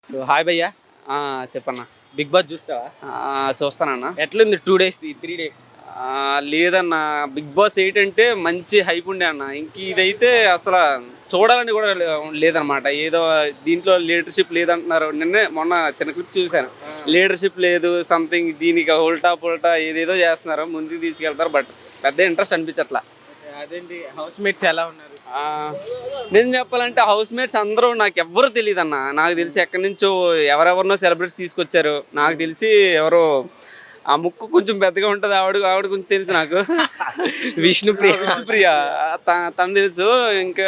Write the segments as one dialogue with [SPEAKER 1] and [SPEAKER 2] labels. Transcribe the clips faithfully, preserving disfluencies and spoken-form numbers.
[SPEAKER 1] So hi భయ్యా.
[SPEAKER 2] ఆ! చెప్పన్నా.
[SPEAKER 1] బిగ్ బాస్ చూస్తావా?
[SPEAKER 2] ఆహ్, చూస్తానన్నా.
[SPEAKER 1] ఎట్లుంది టూ డేస్ త్రీ డేస్?
[SPEAKER 2] ఆహ్, లేదన్నా, బిగ్ బాస్ ఎయిట్ అంటే మంచి హైప్ ఉండే అన్న. ఇంక ఇదైతే అసల చూడాలని కూడా లే లేదనమాట. ఏదో దీంట్లో లీడర్‌షిప్ లేదంటున్నారు. నిన్నే మొన్న చిన్న క్లిప్ చూసాను. లీడర్‌షిప్ లేదు, సంథింగ్ దీనికి ఉల్టా పుల్టా ఏదేదో చేస్తున్నారు. ముందుకు తీసుకెళ్తారు. బట్ పెద్ద ఇంట్రెస్ట్ అనిపించట్లా.
[SPEAKER 1] అదేంటి హౌస్ మేట్స్ ఎలా ఉన్నారు?
[SPEAKER 2] ఆహ్, నిజం చెప్పాలంటే హౌస్ మేట్స్ అందరూ నాకెవ్వరు తెలీదన్న. నాకు తెలిసి ఎక్కడి నుంచో ఎవరెవరినో సెలబ్రిటీస్ తీసుకొచ్చారు. నాకు తెలిసి ఎవరో ఆ ముక్కు కొంచెం పెద్దగా ఉంటది. ఆవిడ ఆవిడ కొంచెం తెలుసు నాకు.
[SPEAKER 1] విష్ణుప్రియ.
[SPEAKER 2] విష్ణుప్రియ త తను తెలుసు. ఇంకా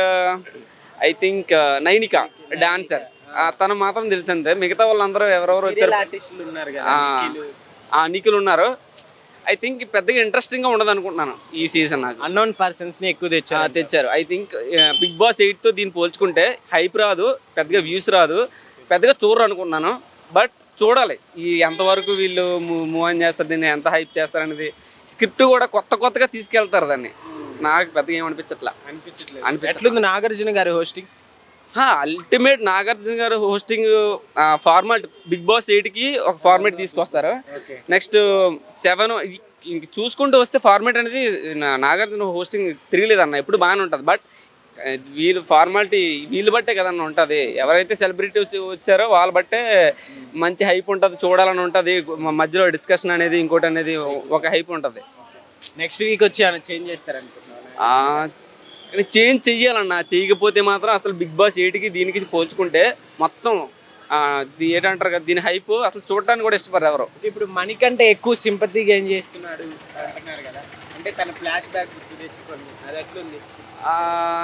[SPEAKER 2] ఐ థింక్ నైనిక డాన్సర్. తను మాత్రం తెలుసు అంతే. మిగతా వాళ్ళందరూ ఎవరెవరు వచ్చారు.
[SPEAKER 1] ఆర్టిస్టులు ఉన్నారు కదా,
[SPEAKER 2] ఆ,
[SPEAKER 1] నిఖిల్.
[SPEAKER 2] ఆ నిఖిల్ ఉన్నారు. ఐ థింక్ పెద్దగా ఇంట్రెస్టింగ్గా ఉండదు అనుకుంటున్నాను ఈ సీజన్. నాకు
[SPEAKER 1] అన్నోన్ పర్సన్స్ ని ఎక్కువ
[SPEAKER 2] ఆ,
[SPEAKER 1] తెచ్చారు.
[SPEAKER 2] తెచ్చారు. ఐ థింక్ బిగ్ బాస్ ఎయిట్తో దీన్ని పోల్చుకుంటే హైప్ రాదు, పెద్దగా వ్యూస్ రాదు, పెద్దగా చూడరు అనుకుంటున్నాను. బట్ చూడాలి ఈ ఎంతవరకు వీళ్ళు మూవ్ ఆన్ చేస్తారు, దీన్ని ఎంత హైప్ చేస్తారు అనేది. స్క్రిప్ట్ కూడా కొత్త కొత్తగా తీసుకెళ్తారు దాన్ని. నాకు పెద్దగా ఏమనిపించట్లా.
[SPEAKER 1] అనిపించట్లేదు.
[SPEAKER 2] అనిపించట్లా.
[SPEAKER 1] ఎట్లుంది నాగార్జున గారి హోస్టింగ్?
[SPEAKER 2] అల్టిమేట్ నాగార్జున గారు హోస్టింగ్ ఫార్మాట్ బిగ్ బాస్ ఎయిట్కి ఒక ఫార్మాట్ తీసుకొస్తారు. నెక్స్ట్ సెవెన్ ఇంక చూసుకుంటూ వస్తే ఫార్మాట్ అనేది నా- నాగార్జున హోస్టింగ్ తిరగలేదన్న, ఎప్పుడు బాగానే ఉంటుంది. బట్ వీళ్ళు ఫార్మాలిటీ వీళ్ళు బట్టే కదన్న ఉంటుంది. ఎవరైతే సెలబ్రిటీ వచ్చారో వాళ్ళ బట్టే మంచి హైప్ ఉంటుంది, చూడాలని ఉంటుంది. మధ్యలో డిస్కషన్ అనేది ఇంకోటి అనేది ఒక హైప్ ఉంటుంది.
[SPEAKER 1] నెక్స్ట్ వీక్ వచ్చి ఏమైనా చేంజ్ చేస్తారు అనుకుంటున్నాను.
[SPEAKER 2] చేంజ్ చెయ్యాలన్న. చేయకపోతే మాత్రం అసలు బిగ్ బాస్ ఎయిట్కి దీనికి పోల్చుకుంటే మొత్తం ఆ, ఇది ఏంటంటారు కదా, దీని హైప్ అసలు చూడడానికి కూడా ఇష్టపడరు ఎవరు.
[SPEAKER 1] ఇప్పుడు మనకంటే ఎక్కువ సింపతి గెయిన్ చేస్తున్నాడు అంటున్నారు కదా, అంటే తన ఫ్లాష్ బ్యాక్ గుర్తు తెచ్చుకొని అది ఎట్లుంది?
[SPEAKER 2] ఆ,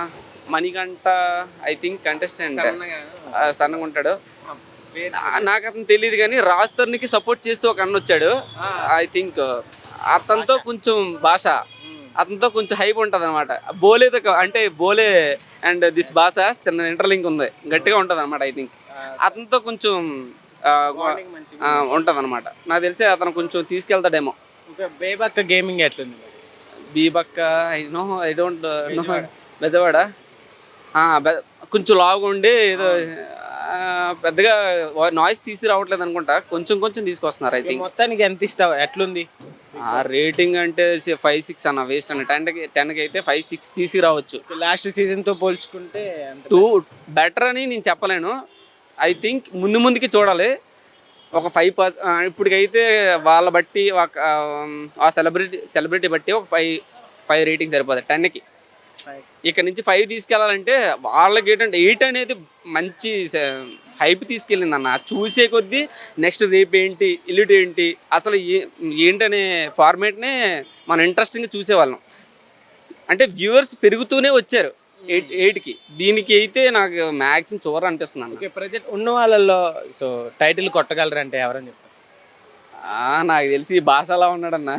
[SPEAKER 2] మణికంఠ ఐ థింక్ కంటెస్టెంట్
[SPEAKER 1] సన్నగా.
[SPEAKER 2] సన్నగా ఉంటాడు.
[SPEAKER 1] ఆ, పేరు-
[SPEAKER 2] నా- నాకు అతను తెలియదు కానీ రాస్తర్నికి సపోర్ట్ చేస్తూ ఒక అన్న వచ్చాడు.
[SPEAKER 1] ఆ.
[SPEAKER 2] ఐ థింక్ అతనితో కొంచెం భాష అతనితో కొంచెం హైప్ ఉంటుంది అనమాట. బోలేతో క- అంటే బోలే అండ్ దిస్ భాష చిన్న ఇంటర్లింక్ ఉంది, గట్టిగా ఉంటుంది అనమాట. ఐ థింక్ అతనితో కొంచెం
[SPEAKER 1] Bonding మంచిగా
[SPEAKER 2] ఉంటుంది అనమాట. నాకు తెలిసి అతను కొంచెం తీసుకెళ్తాడేమో.
[SPEAKER 1] ఇంకా బేబక్క గేమింగ్ ఎట్లుంది మరి?
[SPEAKER 2] బీబక్క I know I don't know. Bezawada ఆ, బె- కొంచెం లావుగా ఉండి ఏదో ఆ, పెద్దగా నాయిస్ తీసి రావట్లేదు అనుకుంటా. కొంచెం కొంచెం తీసుకొస్తున్నారు ఐ థింక్.
[SPEAKER 1] మొత్తానికి ఎంత ఇస్తావు? ఎట్లుంది?
[SPEAKER 2] ఆ రేటింగ్ అంటే ఫైవ్ సిక్స్ అన్న వేస్ట్ అన్న. టెన్కి టెన్కి అయితే ఫైవ్ సిక్స్ తీసి రావచ్చు.
[SPEAKER 1] లాస్ట్ సీజన్ తో పోల్చుకుంటే అంత
[SPEAKER 2] టూ బెటర్ అని నేను చెప్పలేను. ఐ థింక్ ముందు ముందుకి చూడాలి. ఒక ఫైవ్ పర్స ఇప్పటికైతే వాళ్ళ బట్టి ఒక ఆ సెలబ్రిటీ సెలబ్రిటీ బట్టి ఒక ఫైవ్ ఫైవ్ రేటింగ్ సరిపోతుంది టెన్కి. ఇక్కడ నుంచి ఫైవ్ తీసుకెళ్ళాలంటే వాళ్ళకి ఏంటంటే ఎయిట్ అనేది మంచి హైప్ తీసుకెళ్ళింది అన్న. చూసే కొద్దీ నెక్స్ట్ రేపు ఏంటి, ఎల్లుటి ఏంటి, అసలు ఏ ఏంటనే ఫార్మేట్నే మనం ఇంట్రెస్టింగ్గా చూసేవాళ్ళం. అంటే వ్యూవర్స్ పెరుగుతూనే వచ్చారు ఎయిట్ ఎయిట్కి. దీనికి అయితే నాకు మ్యాక్సిమం చూడరు అనిపిస్తుంది అన్న.
[SPEAKER 1] ఓకే, ప్రజెంట్ ఉన్న వాళ్ళల్లో సో టైటిల్ కొట్టగలరు అంటే ఎవరని చెప్తారు?
[SPEAKER 2] ఆ, నాకు తెలిసి భాష అలా ఉన్నాడన్న.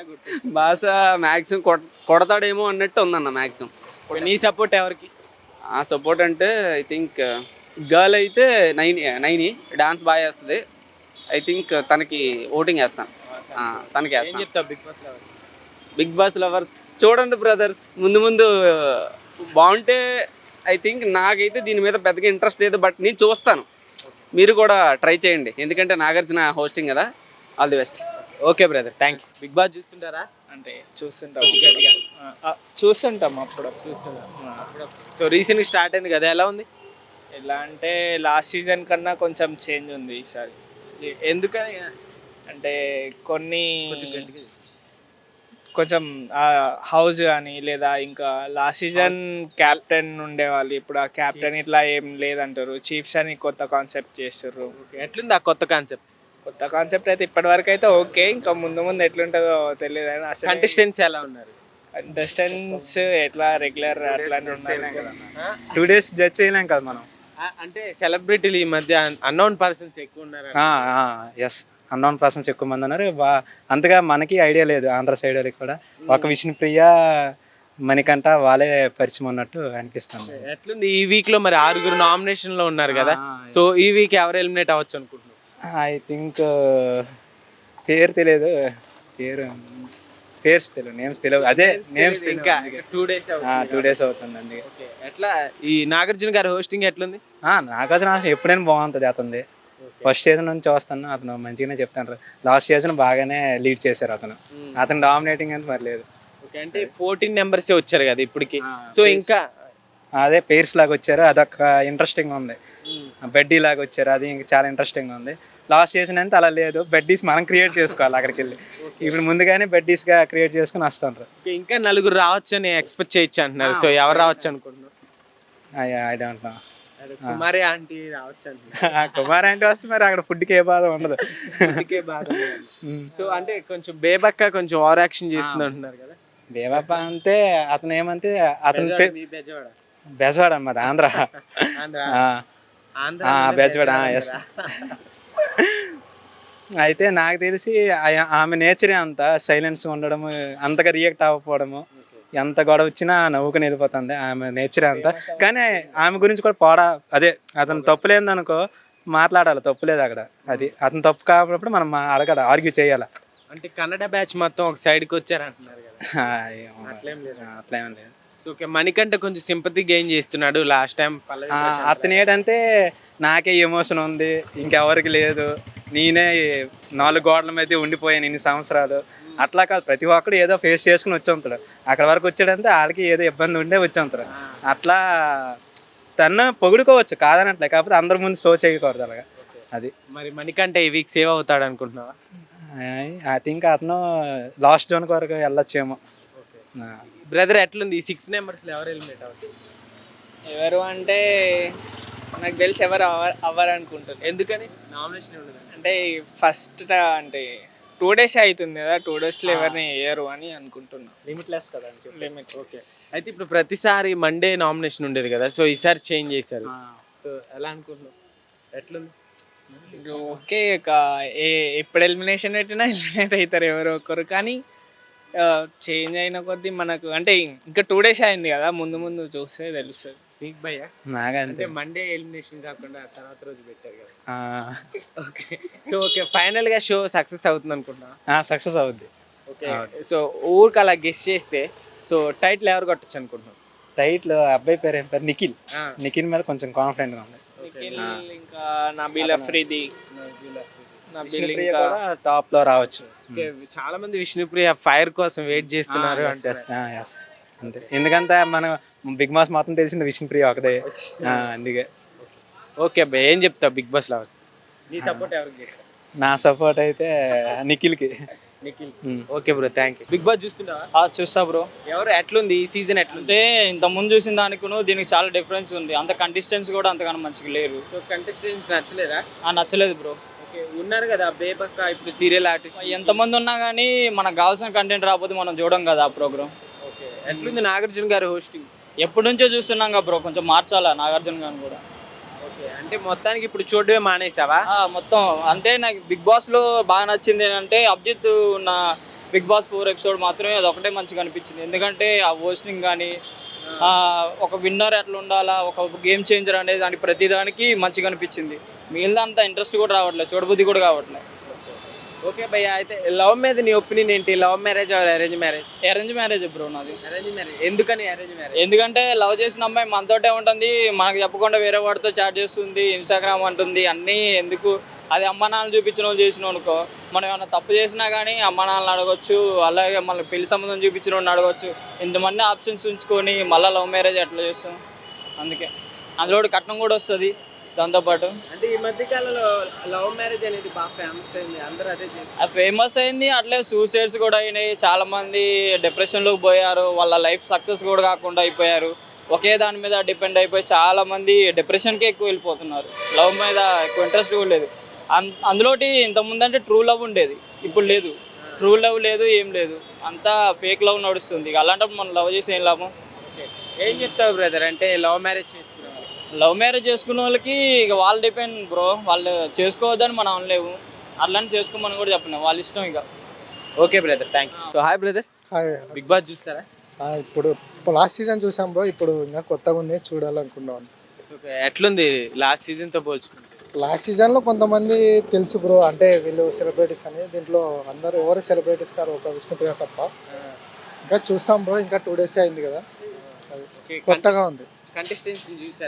[SPEAKER 2] భాష మ్యాక్సిమం కొడ కొడతాడేమో అన్నట్టు ఉందన్న మ్యాక్సిమం.
[SPEAKER 1] నీ సపోర్ట్ ఎవరికి?
[SPEAKER 2] ఆ సపోర్ట్ అంటే ఐ థింక్ గర్ల్ అయితే నైని నైని డాన్స్ బాగా చేస్తుంది. ఐ థింక్ తనకి ఓటింగ్ వేస్తాను. ఆ, తనకి
[SPEAKER 1] ఏం
[SPEAKER 2] వేస్తాను.
[SPEAKER 1] చెప్తావు big boss lovers?
[SPEAKER 2] Big boss lovers చూడండి బ్రదర్స్, ముందు ముందు బాగుంటే ఐ థింక్. నాకైతే దీని మీద పెద్దగా ఇంట్రెస్ట్ లేదు, బట్ నేను చూస్తాను. మీరు కూడా ట్రై చేయండి, ఎందుకంటే నాగార్జున హోస్టింగ్ కదా. All the best.
[SPEAKER 1] Okay brother, thank you. Big boss చూస్తుంటారా?
[SPEAKER 3] అంటే చూస్తుంటాం
[SPEAKER 1] గట్టిగా
[SPEAKER 3] ఆ, చూస్తుంటాం అప్పుడు
[SPEAKER 1] చూస్తుంటారు. సో రీసెంట్గా స్టార్ట్ అయింది కదా, ఎలా ఉంది?
[SPEAKER 3] ఎలా అంటే లాస్ట్ సీజన్ కన్నా కొంచెం చేంజ్ ఉంది ఈసారి.
[SPEAKER 1] ఎ- ఎందుకని?
[SPEAKER 3] అంటే కొన్ని కొంచెం హౌస్ కానీ లేదా ఇంకా లాస్ట్ సీజన్ క్యాప్టెన్ ఉండేవాళ్ళు, ఇప్పుడు ఆ క్యాప్టెన్ ఇట్లా ఏం లేదంటారు. చీఫ్స్ అని కొత్త కాన్సెప్ట్ చేస్తారు.
[SPEAKER 1] ఓకే, ఎట్లుంది ఆ కొత్త కాన్సెప్ట్?
[SPEAKER 3] కొత్త కాన్సెప్ట్ అయితే ఇప్పటి వరకు అయితే ఓకే, ఇంకా ముందు ముందు ఎట్లుంటుందో తెలియదు. అని అసలు
[SPEAKER 1] కంటెస్టెంట్స్ ఎలా ఉన్నారు?
[SPEAKER 3] కంటెస్టెంట్స్ ఎట్లా రెగ్యులర్ అట్లానే ఉన్నారు.
[SPEAKER 4] టూ డేస్ జడ్జ్ చేయలేం కదా మనం.
[SPEAKER 1] ఆ, అంటే సెలబ్రిటీలు ఈ మధ్య అన్నోన్ పర్సన్స్ ఎక్కువ ఉన్నారు.
[SPEAKER 4] ఎస్, అన్నోన్ పర్సన్స్ ఎక్కువ మంది ఉన్నారు. బా అంతగా మనకి ఐడియా లేదు ఆంధ్ర సైడ్ వాళ్ళకి కూడా. ఒక విష్ణుప్రియ, మణికంఠ వాళ్ళే పరిచయం ఉన్నట్టు అనిపిస్తుంది.
[SPEAKER 1] ఎట్లుంది ఈ వీక్ లో? మరి ఆరుగురు నామినేషన్ లో ఉన్నారు కదా, సో ఈ వీక్ ఎవరు ఎలిమినేట్ అవ్వచ్చు అనుకుంటున్నారు?
[SPEAKER 4] ఐ థింక్ పేరు తెలియదు, పేరు పేర్స్ తెలియదు, నేమ్స్ తెలియదు. అదే నేమ్స్
[SPEAKER 1] ఇంకా టూ డేస్
[SPEAKER 4] టూ డేస్ అవుతుందండి.
[SPEAKER 1] ఎట్లా ఈ నాగార్జున గారి హోస్టింగ్ ఎట్లుంది?
[SPEAKER 4] నాగార్జున ఎప్పుడైనా బాగుంటుంది అతనిది. ఫస్ట్ సీజన్ నుంచి చూస్తాను, అతను మంచిగానే చెప్తాను. లాస్ట్ సీజన్ బాగానే లీడ్ చేశారు అతను. అతను డామినేటింగ్ అంటే మరి లేదు.
[SPEAKER 1] ఓకే, అంటే ఫోర్టీన్ నెంబర్సే వచ్చారు కదా ఇప్పటికి. సో ఇంకా
[SPEAKER 4] అదే పేర్స్ లాగా వచ్చారు, అదొక ఇంట్రెస్టింగ్ ఉంది. బెడ్డీ లాగా వచ్చారు, అది ఇంకా చాలా ఇంట్రెస్టింగ్ ఉంది. లాస్ట్ సీజన్ అంటే అలా లేదు, బెడ్డీస్ మనం క్రియేట్ చేసుకోవాలి అక్కడికి వెళ్ళి. ఇప్పుడు ముందుగానే బెడ్డీస్గా క్రియేట్ చేసుకుని వస్తాను.
[SPEAKER 1] ఇంకా నలుగురు రావచ్చు అని ఎక్స్పెక్ట్ చేయొచ్చు అంటున్నారు. సో ఎవరు రావచ్చు అనుకుంటున్నారు?
[SPEAKER 4] I don't know.
[SPEAKER 1] Kumari aunty రావచ్చు అంటున్నారు.
[SPEAKER 4] కుమార్ అంటే వస్తే మరి అక్కడ ఫుడ్కి ఏ బాధ ఉండదు.
[SPEAKER 1] సో అంటే కొంచెం బేబక్క కొంచెం ఓవర్ యాక్షన్ చేస్తుంది అంటున్నారు కదా.
[SPEAKER 4] బేబాప అంటే అతను ఏమంటే అతను
[SPEAKER 1] మీ బెజవాడ
[SPEAKER 4] బెజవాడ అన్నది ఆంధ్ర.
[SPEAKER 1] ఆంధ్ర ఆంధ్ర
[SPEAKER 4] బెజవాడ, ఎస్. అయితే నాకు తెలిసి ఆ- ఆమె నేచరే అంత సైలెన్స్ ఉండడము, అంతగా రియాక్ట్ అవ్వకపోవడము, ఎంత గొడవ వచ్చినా నవ్వుకుని వెళ్ళిపోతుంది, ఆమె నేచరే అంత. కానీ ఆమె గురించి కూడా పోడా, అదే అతను తప్పులేదు అనుకో మాట్లాడాలి, తప్పులేదు అక్కడ. అది అతను తప్పు కాకపోయినప్పుడు మనం అడగాలి, ఆర్గ్యూ చేయాలి.
[SPEAKER 1] అంటే కన్నడ బ్యాచ్ మొత్తం ఒక సైడ్కి వచ్చారంటున్నారు కదా. అట్లేం లేదు.
[SPEAKER 4] అట్లేం లేదు.
[SPEAKER 1] సో ఓకే, మణికంఠ కొంచెం సింపతి గెయిన్ చేస్తున్నాడు లాస్ట్ టైం.
[SPEAKER 4] ఆ, అతను ఏంటంటే నాకే ఎమోషన్ ఉంది, ఇంకెవరికి లేదు, నేనే నాలుగు గోడల మీద ఉండిపోయాను ఇన్ని సంవత్సరాలు, అట్లా కాదు. ప్రతి ఒక్కడు ఏదో ఫేస్ చేసుకుని వచ్చి ఉంటాడు. అక్కడ వరకు వచ్చాడంటే వాళ్ళకి ఏదో ఇబ్బంది ఉండే వచ్చి ఉంటారు. అట్లా తను పొగుడుకోవచ్చు కాదనట్లే, కాకపోతే అందరి ముందు సో చేయకూడదు అలాగా. అది
[SPEAKER 1] మరి మణికంఠ ఈ వీక్ సేవ్ అవుతాడు అనుకుంటున్నావా?
[SPEAKER 4] ఐ థింక్ అతను లాస్ట్ జోన్ వరకు వెళ్ళొచ్చేమో.
[SPEAKER 1] బ్రదర్ ఎట్లుంది ఈ సిక్స్ నెంబర్స్ లో ఎవరు ఎలిమినేట్ అవుతారు?
[SPEAKER 3] ఎవరు అంటే నాకు తెలిసి ఎవరు అవ్వ అవ్వరు అనుకుంటున్నారు.
[SPEAKER 1] ఎందుకని నామినేషన్ ఉండదు
[SPEAKER 3] అంటే ఫస్ట్ అంటే టూ డేస్ అవుతుంది కదా, టూ డేస్లో ఎవరిని వేయరు అని అనుకుంటున్నాను.
[SPEAKER 1] లిమిట్లెస్ కదా
[SPEAKER 3] లిమిట్.
[SPEAKER 1] ఓకే, అయితే ఇప్పుడు ప్రతిసారి మండే నామినేషన్ ఉండేది కదా, సో ఈసారి చేంజ్ చేశారు. సో ఎలా అనుకుంటున్నావు, ఎట్లుంది?
[SPEAKER 3] ఓకే, ఇక ఏ ఎప్పుడు ఎలిమినేషన్ పెట్టినా ఎలిమినేట్ అవుతారు ఎవరో ఒకరు. కానీ చేంజ్ అయిన కొద్దీ మనకు అంటే ఇంకా టూ డేస్ అయింది కదా, ముందు ముందు చూస్తే తెలుస్తుంది.
[SPEAKER 1] బిగ్ భయ్యా
[SPEAKER 4] నాగా
[SPEAKER 1] అంటే మండే ఎలిమినేషన్ కాకుండా తర్వాత రోజు పెట్టారు కదా. ఓకే, సో ఓకే, ఫైనల్ గా షో సక్సెస్ అవుతుంది అనుకుంటున్నా.
[SPEAKER 4] సక్సెస్ అవుద్ది.
[SPEAKER 1] ఓకే, సో ఊరికి అలా గెస్ట్ చేస్తే సో టైటిల్ ఎవరు కొట్టచ్చు అనుకుంటున్నాను?
[SPEAKER 4] టైటిల్ అబ్బాయి పేరు ఏం పేరు, నిఖిల్. నిఖిల్ మీద కొంచెం కాన్ఫిడెంట్ గా ఉంది.
[SPEAKER 3] ఇంకా నబీల్ అఫ్రీది, నబీల్ ఇంకా
[SPEAKER 4] టాప్ లో రావచ్చు.
[SPEAKER 1] చాలా మంది విష్ణుప్రియ ఫైర్ కోసం వెయిట్ చేస్తున్నారు.
[SPEAKER 4] అంతే, ఎందుకంటే మనం బిగ్ బాస్ మొత్తం తెలిసింది విష్ణుప్రియ ఒకదే, అందుకే.
[SPEAKER 1] ఓకే అబ్బాయి, ఏం చెప్తావు బిగ్ బాస్ లవర్స్? నీ సపోర్ట్ ఎవరికి చేస్తావు?
[SPEAKER 4] నా సపోర్ట్ అయితే నిఖిల్కి.
[SPEAKER 1] Nikhil. Okay bro, thank you. Big boss చూస్తున్నావా?
[SPEAKER 5] చూస్తా బ్రో.
[SPEAKER 1] ఎవరు ఎట్లుంది ఈ సీజన్, ఎట్లుంది?
[SPEAKER 5] అంటే ఇంత ముందు చూసిన దానికి దీనికి చాలా డిఫరెన్స్ ఉంది. అంత కంటెస్టెంట్స్ కూడా అంతగానో మంచిగా లేరు.
[SPEAKER 1] సో కంటెస్టెంట్స్ నచ్చలేదా?
[SPEAKER 5] ఆ నచ్చలేదు బ్రో.
[SPEAKER 1] ఓకే, ఉన్నారు కదా బేబక్క ఇప్పుడు సీరియల్ ఆర్టిస్ట్,
[SPEAKER 5] ఎంతమంది ఉన్నా కానీ మనకు కావాల్సిన కంటెంట్ రాకపోతే మనం చూడం కదా ఆ ప్రోగ్రామ్.
[SPEAKER 1] ఓకే, ఎట్లుంది నాగార్జున గారు హోస్టింగ్?
[SPEAKER 5] ఎప్పటి నుంచో చూస్తున్నాం కదా బ్రో, కొంచెం మార్చాలా నాగార్జున గారిని కూడా.
[SPEAKER 1] ఓకే, అంటే మొత్తానికి ఇప్పుడు చూడడమే మానేసావా?
[SPEAKER 5] ఆ, మొత్తం అంటే నాకు బిగ్ బాస్లో బాగా నచ్చింది ఏంటంటే అభిజిత్ ఉన్న బిగ్ బాస్ ఫోర్ ఎపిసోడ్ మాత్రమే అది ఒకటే మంచిగా అనిపించింది. ఎందుకంటే ఆ హోస్టింగ్ కానీ ఒక విన్నర్ ఎట్లా ఉండాలా, ఒక గేమ్ చేంజర్ అనేది దానికి ప్రతిదానికి మంచిగా అనిపించింది. మిగిలిన అంత ఇంట్రెస్ట్ కూడా రావట్లేదు, చూడబుద్ధి కూడా కావట్లేదు.
[SPEAKER 1] ఓకే భయ్య, అయితే లవ్ మీద నీ ఒపీనియన్ ఏంటి? Love marriage or arrange marriage?
[SPEAKER 5] Arrange marriage bro నాది.
[SPEAKER 1] అరేంజ్ మ్యారేజ్ ఎందుకని అరేంజ్ మ్యారేజ్?
[SPEAKER 5] ఎందుకంటే లవ్ చేసిన అమ్మాయి మనతోటే ఉంటుంది, మనకు చెప్పకుండా వేరే వాడితో చాట్ చేస్తుంది, ఇన్స్టాగ్రామ్ అంటుంది, అన్నీ ఎందుకు? అది అమ్మ నాన్న చూపించిన వాళ్ళు చేసిన అనుకో, మనం ఏమైనా తప్పు చేసినా కానీ అమ్మ నాన్నలు అడగొచ్చు, అలాగే మళ్ళీ పెళ్లి సంబంధం చూపించిన వాడిని అడగొచ్చు. ఇంతమంది ఆప్షన్స్ ఉంచుకొని మళ్ళీ లవ్ మ్యారేజ్ ఎట్లా చేస్తాం? అందుకే అందులో కట్నం కూడా వస్తుంది దాంతోపాటు.
[SPEAKER 1] అంటే ఈ మధ్య కాలంలో లవ్ మ్యారేజ్ అనేది బాగా ఫేమస్ అయింది, అందరూ అదే చేస్తారు.
[SPEAKER 5] ఫేమస్ అయింది, అట్లే సూసైడ్స్ కూడా అయినాయి, చాలామంది డిప్రెషన్లోకి పోయారు, వాళ్ళ లైఫ్ సక్సెస్ కూడా కాకుండా అయిపోయారు. ఒకే దాని మీద డిపెండ్ అయిపోయి చాలామంది డిప్రెషన్కే ఎక్కువ వెళ్ళిపోతున్నారు, లవ్ మీద ఎక్కువ ఇంట్రెస్ట్ కూడా లేదు. అన్ అందులోటి ఇంతకుముందు అంటే ట్రూ లవ్ ఉండేది, ఇప్పుడు లేదు. ట్రూ లవ్ లేదు, ఏం లేదు, అంతా ఫేక్ లవ్ నడుస్తుంది. ఇక అలాంటప్పుడు మనం లవ్ చేసి ఏం లాభం?
[SPEAKER 1] ఏం చెప్తావు బ్రదర్, అంటే లవ్ మ్యారేజ్ చేసుకునే
[SPEAKER 5] లవ్ మ్యారేజ్ చేసుకున్న వాళ్ళకి ఇక వాళ్ళు డిపెండ్ బ్రో, వాళ్ళు చేసుకోవద్దని మనం అనలేవు, అట్లాంటి చేసుకోమని కూడా చెప్పలేము, వాళ్ళ ఇష్టం ఇక.
[SPEAKER 1] Okay brother, thank you. So hi brother,
[SPEAKER 6] hi.
[SPEAKER 1] Big boss చూస్తారా?
[SPEAKER 6] ఇప్పుడు లాస్ట్ సీజన్ చూసాం బ్రో, ఇప్పుడు ఇంకా కొత్తగా ఉంది చూడాలనుకున్నాం.
[SPEAKER 1] ఓకే, ఎట్లుంది లాస్ట్ సీజన్తో పోల్చుకుంటే?
[SPEAKER 6] లాస్ట్ సీజన్లో కొంతమంది తెలుసు బ్రో, అంటే వీళ్ళు సెలబ్రిటీస్ అని, దీంట్లో అందరూ ఎవరు సెలబ్రిటీస్ కాదు, ఒక విష్ణుప్రియ తప్ప. ఇంకా చూస్తాం బ్రో, ఇంకా టూ డేస్ అయింది కదా, కొత్తగా ఉంది.
[SPEAKER 1] కంటెస్టెంట్స్ చూసారా?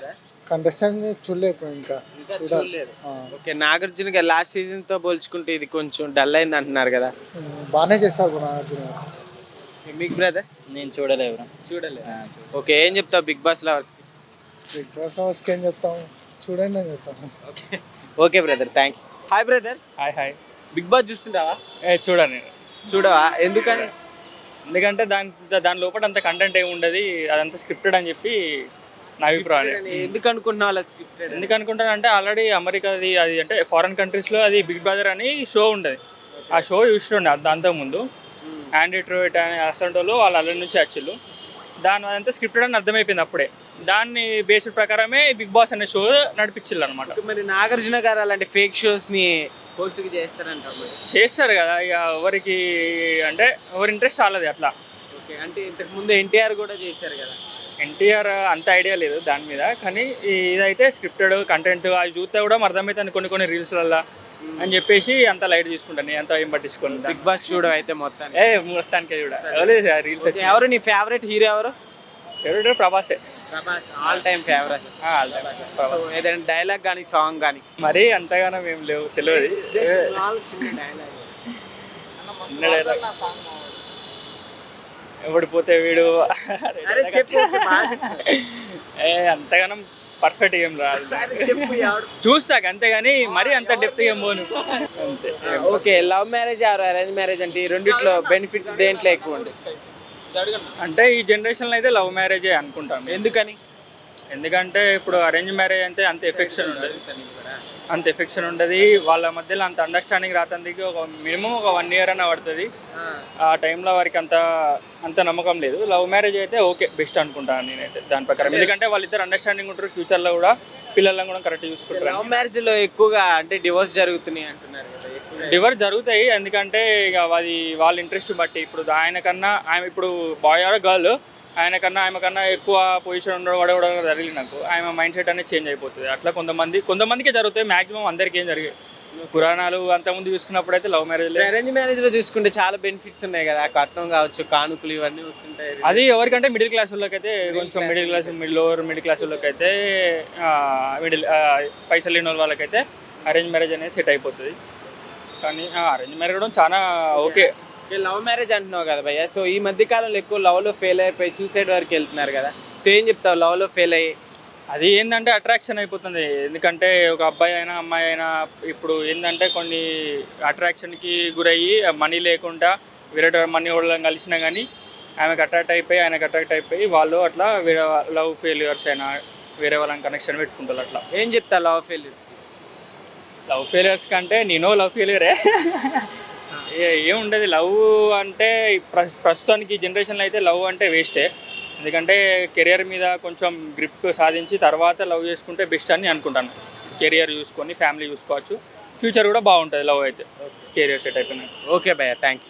[SPEAKER 6] కంటెస్టెంట్ చూడలేదు ఇంకా
[SPEAKER 1] ఇంకా
[SPEAKER 6] చూడాలి.
[SPEAKER 1] చూడలేదు.
[SPEAKER 6] ఆ,
[SPEAKER 1] ఓకే, నాగార్జున గారు లాస్ట్ సీజన్ తో పోల్చుకుంటే ఇది కొంచెం డల్ అయింది అంటున్నారు కదా.
[SPEAKER 6] ఉమ్, బాగానే చేస్తారు బ్రో నాగార్జున గారు.
[SPEAKER 1] బిగ్ బ్రదర్
[SPEAKER 5] నేను చూడలేదు బ్రో.
[SPEAKER 1] చూడలేదు. ఓకే, ఏం చెప్తావు బిగ్ బాస్ లవర్స్ కి?
[SPEAKER 6] బిగ్ బాస్ హౌస్కి ఏం చెప్తాం, చూడండి అని చెప్తాను.
[SPEAKER 1] Okay okay brother, thank you. Hi brother,
[SPEAKER 7] hi hi
[SPEAKER 1] big boss చూస్తుంటావా?
[SPEAKER 7] ఏ చూడండి,
[SPEAKER 1] చూడవా? ఎందుకని?
[SPEAKER 7] ఎందుకంటే దాని దాని లోపల అంత కంటెంట్ ఏమి ఉండదు, అదంతా స్క్రిప్టెడ్ అని చెప్పి నా అభిప్రాయం.
[SPEAKER 1] ఎందుకు అనుకుంటున్నావు అలా స్క్రిప్టెడ్?
[SPEAKER 7] ఎందుకు అనుకుంటానంటే ఆల్రెడీ అమెరికాది అది అంటే ఫారెన్ కంట్రీస్లో అది బిగ్ బ్రదర్ అని షో ఉండదు. ఆ షో చూస్తుండే దాంతో ముందు యాండీ ట్రోయిట్ అనే అసంటోళ్ళు వాళ్ళు అల్లరి నుంచి వచ్చిళ్ళు. దాని అదంతా స్క్రిప్టెడ్ అని అర్థమైపోయింది అప్పుడే. దాన్ని బేస్డ్ ప్రకారమే బిగ్ బాస్ అనే షో నడిపించిల్లు అనమాట.
[SPEAKER 1] మరి నాగార్జున గారు అలాంటి ఫేక్ షోస్ ని పోస్ట్ చేస్తారంట మరి.
[SPEAKER 7] చేస్తారు కదా, ఇక ఎవరికి అంటే ఎవరి ఇంట్రెస్ట్ చాలది అట్లా.
[SPEAKER 1] ఓకే, అంటే ఇంతకు ముందు ఎన్టీఆర్ కూడా చేశారు కదా.
[SPEAKER 7] ఎన్టీఆర్ అంత ఐడియా లేదు దాని మీద, కానీ ఇదైతే స్క్రిప్టెడ్ కంటెంట్ అది చూస్తే కూడా అర్థమవుతుంది కొన్ని కొన్ని రీల్స్లల్లో అని చెప్పేసి అంత లైట్ తీసుకుంటాను నేను, అంత ఏం పట్టించుకోను.
[SPEAKER 1] బిగ్ బాస్ చూడవు అయితే మొత్తాన్ని.
[SPEAKER 7] ఏ మొత్తానికి చూడ రీల్స్
[SPEAKER 1] ఓకే, ఎవరు నీ ఫేవరెట్ హీరో? ఎవరు?
[SPEAKER 7] ఫేవరెట్ ప్రభాసే,
[SPEAKER 1] ప్రభాస్ ఆల్ టైమ్ ఫేవరెట్. ఏదైనా డైలాగ్ కానీ సాంగ్ కానీ?
[SPEAKER 7] మరీ అంతగానో ఏం లేవు, తెలియదు.
[SPEAKER 1] చిన్న డైలాగ్.
[SPEAKER 7] చిన్న డైలాగ్ ఎవడు పోతే వీడు
[SPEAKER 1] అరే చెప్పు
[SPEAKER 7] ఏ అంతగానం పర్ఫెక్ట్ ఏం రాదు,
[SPEAKER 1] చెప్పు ఎవడు?
[SPEAKER 7] చూస్తాక అంతేగాని మరీ అంత డెప్త్ ఏం పోను అంతే.
[SPEAKER 1] Okay, love marriage or arrange marriage అంటే ఈ రెండిట్లో బెనిఫిట్ దేంట్లో ఎక్కువ ఉంది?
[SPEAKER 7] అంటే ఈ జనరేషన్లో అయితే లవ్ మ్యారేజే అనుకుంటాం.
[SPEAKER 1] ఎందుకని?
[SPEAKER 7] ఎందుకంటే ఇప్పుడు అరేంజ్ మ్యారేజ్ అంటే అంత ఎఫెక్షన్ ఉండదు, అంత ఎఫెక్షన్ ఉండదు వాళ్ళ మధ్యలో, అంత అండర్స్టాండింగ్ రాతందుకు ఒక మినిమం ఒక వన్ ఇయర్ అన్న పడుతుంది. ఆ టైంలో వారికి అంత అంత నమ్మకం లేదు. లవ్ మ్యారేజ్ అయితే ఓకే బెస్ట్ అనుకుంటాను నేనైతే దాని ప్రకారం. ఎందుకంటే వాళ్ళిద్దరు అండర్స్టాండింగ్ ఉంటారు, ఫ్యూచర్లో కూడా పిల్లలను కూడా కరెక్ట్ చూసుకుంటారు.
[SPEAKER 1] లవ్ మ్యారేజ్ లో ఎక్కువగా అంటే డివోర్స్ జరుగుతున్నాయి అంటున్నారు కదా.
[SPEAKER 7] డివోర్స్ జరుగుతాయి, ఎందుకంటే ఇక అది వాళ్ళ ఇంట్రెస్ట్ బట్టి. ఇప్పుడు ఆయన కన్నా ఆమె ఇప్పుడు బాయ్ ఆర్ గర్ల్, ఆయన కన్నా ఆమె కన్నా ఎక్కువ పొజిషన్ ఉండడం కూడా కూడా జరిగింది నాకు, ఆమె మైండ్ సెట్ అనేది చేంజ్ అయిపోతుంది. అట్లా కొంతమంది కొంతమందికే జరుగుతాయి, మాక్సిమం అందరికీ ఏం జరిగాయి. పురాణాలు అంతకుముందు చూసుకున్నప్పుడు అయితే లవ్ మ్యారేజ్
[SPEAKER 1] అరేంజ్ మ్యారేజ్ లో చూసుకుంటే చాలా బెనిఫిట్స్ ఉన్నాయి కదా, కట్నం కావచ్చు, కానుకలు ఇవన్నీ వస్తుంటాయి.
[SPEAKER 7] అది ఎవరికంటే మిడిల్ క్లాస్ వాళ్ళకి అయితే కొంచెం middle class middle lower middle class వాళ్ళకి అయితే మిడిల్ పైసలు లేని వాళ్ళకైతే అరేంజ్ మ్యారేజ్ అనేది సెట్ అయిపోతుంది. కానీ అరేంజ్ మ్యారేజ్ కూడా చాలా ఓకే.
[SPEAKER 1] లవ్ మ్యారేజ్ అంటున్నావు కదా భయ్య, సో ఈ మధ్య కాలంలో ఎక్కువ లవ్ లో ఫెయిల్ అయిపోయి సూసైడ్ వరకు వెళ్తున్నారు కదా, సో ఏం చెప్తావు లవ్ లో ఫెయిల్ అయ్యి?
[SPEAKER 7] అది ఏంటంటే అట్రాక్షన్ అయిపోతుంది. ఎందుకంటే ఒక అబ్బాయి అయినా అమ్మాయి అయినా ఇప్పుడు ఏంటంటే కొన్ని అట్రాక్షన్కి గురయ్యి మనీ లేకుండా వేరే మనీ వాళ్ళని కలిసినా కానీ ఆమెకు అట్రాక్ట్ అయిపోయి ఆయనకు అట్రాక్ట్ అయిపోయి వాళ్ళు అట్లా వేరే లవ్ ఫెయిల్యూర్స్ అయినా వేరే వాళ్ళని కనెక్షన్ పెట్టుకుంటారు. అట్లా
[SPEAKER 1] ఏం చెప్తా లవ్ ఫెయిల్యూర్స్?
[SPEAKER 7] లవ్ ఫెయిల్యూర్స్ కంటే నేను లవ్ ఫెయిల్యూరే ఏముండదు. లవ్ అంటే ప్రస్తుతానికి జనరేషన్లో అయితే లవ్ అంటే వేస్టే. ఎందుకంటే కెరియర్ మీద కొంచెం గ్రిప్ సాధించి తర్వాత లవ్ చేసుకుంటే బెస్ట్ అని అనుకుంటాను. కెరియర్ చూసుకొని ఫ్యామిలీ చూసుకోవచ్చు, ఫ్యూచర్ కూడా బాగుంటుంది లవ్ అయితే, కెరియర్ సెట్ అయిపోయినాక.
[SPEAKER 1] ఓకే భయ్య, థ్యాంక్ యూ.